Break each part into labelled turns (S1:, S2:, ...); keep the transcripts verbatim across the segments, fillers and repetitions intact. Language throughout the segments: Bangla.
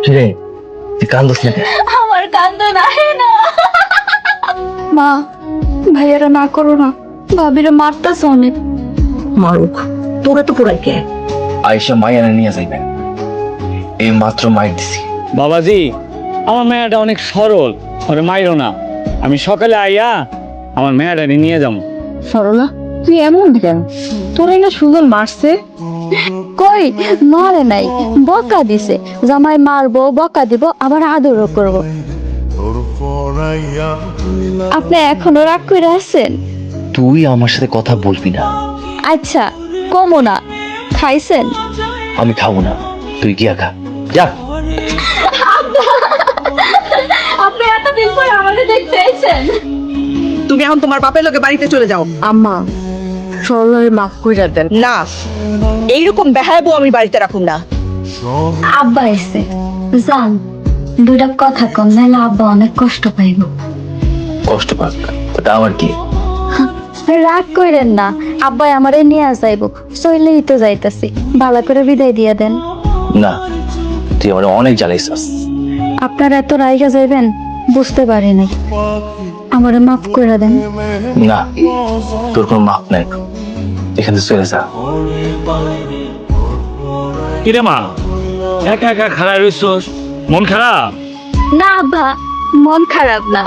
S1: কিরে তুই কান্দস না কেন?
S2: আমার কান্দ নাহে না। মা, ভাইয়ারা না করো না, ভাবিরা মারতাছে অনেক।
S3: মারুক, তোরে তো পুরাই কে।
S1: আয়েশা মাইয়া নিয়ে যাইবেন, এই মাত্র মাইর দিছি।
S4: বাবাজি, আমার মেয়েটা অনেক সরল, ওরে মাইরো না। আমি সকালে আইয়া আমার মেয়েটা নিয়ে যাবো।
S3: সরলা, তুই এমন কেন? তোরে না সুজন মারছে।
S2: কই মারে নাই, বকা দিছে। জামাই মারবো, বকা দিব, আবার আদরও করব। আপনি এখনো রাগ করে আছেন?
S1: তুই আমার সাথে কথা বলবি না।
S2: আচ্ছা, কমো না। খাইছেন?
S1: আমি খাবো না, তুই গিয়া খা যা।
S2: আপনি এতদিন পর আমাকে দেখতে এসেছেন।
S3: তুমি এখন তোমার বাপের লোকে বাড়িতে চলে যাও।
S2: আম্মা, সরলারে মাফ কইরা দেন।
S3: না, এইরকম বেহায়াবো আমি বাড়িতে রাখুন না।
S2: আব্বা এসে যান, দুইটা কথা কম, নাহলে আব্বা অনেক কষ্ট পাইব।
S1: কষ্ট পাক, ওটা আমার কি?
S2: রাগ কইরেন না, আব্বাই আমারে নিয়ে যাইব। চইলেই তো যাইতাছি, ভালো করে বিদায় দিয়ে দেন।
S1: না, তুই আমার অনেক জ্বালাইছাস।
S2: আপনারা এত রাইগা যাইবেন বুঝতে পারি নাই, আমারে মাফ করে দেন।
S1: না, তোর কোনো মাপ নাই, এখান থেকে চলে যা।
S4: কিরে মা, একা একা খারাপ রইছস, মন খারাপ?
S2: না আব্বা, মন খারাপ না।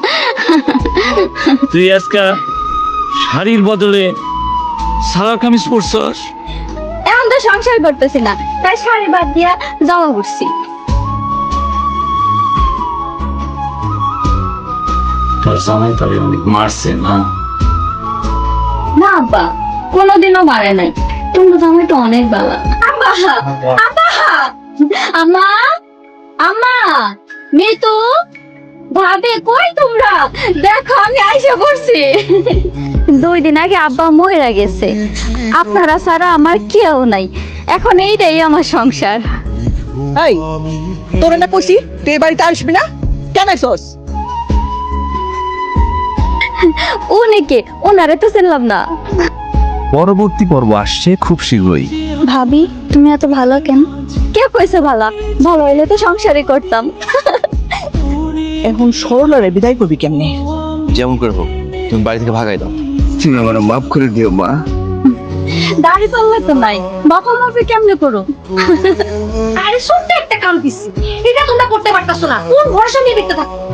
S4: তুই আজকে শাড়ির বদলে সালোয়ার কামিজ পরছস।
S2: এখন তো সংসার করতেছি না, তাই শাড়ি বাদ দিয়া জামা পরছি।
S4: তোর জামাই তোরে অনেক মারছে না?
S2: না আব্বা, কোনোদিনও মারে নাই। তোমরা জামাই তো অনেক বালা। আব্বা, আব্বা, আম্মা, আম্মা, মিতু, ভাবে কই তোমরা? দেখো আমি আইসা পড়ছি। দুই দিন আগে আব্বা মহিলা গেছে, আপনারা ছাড়া আমার কেউ নাই। এখন এইটাই আমার সংসার।
S3: এই, তোরে না কইছি তুই এই বাড়িতে আসবি না, কেন আইছস?
S2: উনিকে, ওনারে তো চিনলাম না।
S5: পরবর্তী পর্ব আসছে খুব শীঘ্রই।
S2: ভাবি, তুমি এত ভালো কেন? কে কইছে ভালো? ভালো হইলে তো সংসারই করতাম।
S3: এখন সরলারে বিদায় করবি কেমনে?
S1: যেমন করে হোক, তুমি বাড়ি থেকে ভাগাই দাও।
S5: তুমি আমার মাফ করে দিও মা।
S2: দাড়ি পাল্লা তো নাই, বাবা মাপে কেমনে করো?
S6: আরে ছোট্ট একটা কাম দিছি, এটা তোমরা করতে পারতাছো না। কোন ভরসা নিয়ে দেখতে থাকো?